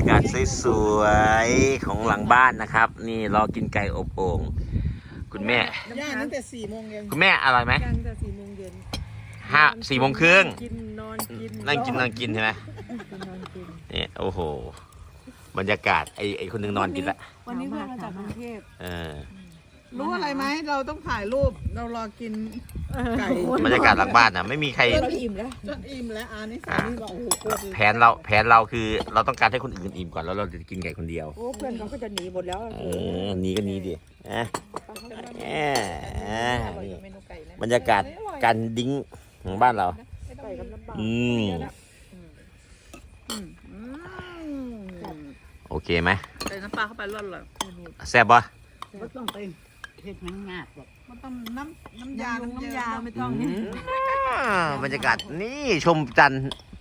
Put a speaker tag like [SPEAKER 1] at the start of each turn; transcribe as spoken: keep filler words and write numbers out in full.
[SPEAKER 1] ากาศสวยๆของหลังบ้านนะครับ นี่รอกินไก่อบโอ่งคุณแม่
[SPEAKER 2] ย่างตั้งแต่สี่โมงเย็น
[SPEAKER 1] คุณแม่อร่อยไหม
[SPEAKER 2] ย่างตั้งแต่สี่โมงเย็น
[SPEAKER 1] ห้าสี่โมงครึ่ง
[SPEAKER 2] กินนอนกิน
[SPEAKER 1] นั่งกินนั่งกินใช่ไหม
[SPEAKER 2] กินนอนกิน
[SPEAKER 1] นี่โอ้โหบรรยากาศไอ้ไอ้คนหนึงนอนกินละ
[SPEAKER 2] วันนี้เพื่อนมาจากกรุงเทพ
[SPEAKER 1] เออ
[SPEAKER 3] รู้อะไรไหมเราต้องถ่ายรูปเรารอกินไก่
[SPEAKER 1] บรรยากาศหลังบ้านนะไม่มีใคร
[SPEAKER 2] เราอิ่มแล้ว
[SPEAKER 3] จนอิ่มแล้วอันนี้สามีบอกโอ้โหโคตร
[SPEAKER 1] แผนเราแผนเราคือเราต้องการให้คนอื่นอิ่มก่อนแล้วเราจะกินไก่คนเดียว
[SPEAKER 2] โอ้เพื่อนเขาก็จะหนีหมดแล้ว
[SPEAKER 1] เออหนีก็หนีดินะแหมนี่
[SPEAKER 2] เมนูไก่นะ
[SPEAKER 1] บรรยากาศการดิ้งของบ้านเรา
[SPEAKER 2] ไก่กับน้ำปลา
[SPEAKER 1] อืม
[SPEAKER 3] อืม
[SPEAKER 1] โอเคไหม
[SPEAKER 3] ใส่น้ำปลาเข้าไปร่อนเลย
[SPEAKER 1] แซ่บปะ
[SPEAKER 4] ไม่ต้องไปเห็ดมันงาดหรอก
[SPEAKER 3] มันต้องน้ำน้ำยา
[SPEAKER 2] น้ำยาไม่ต้อง
[SPEAKER 1] อืมบรรยากาศนี่ชมจันทร์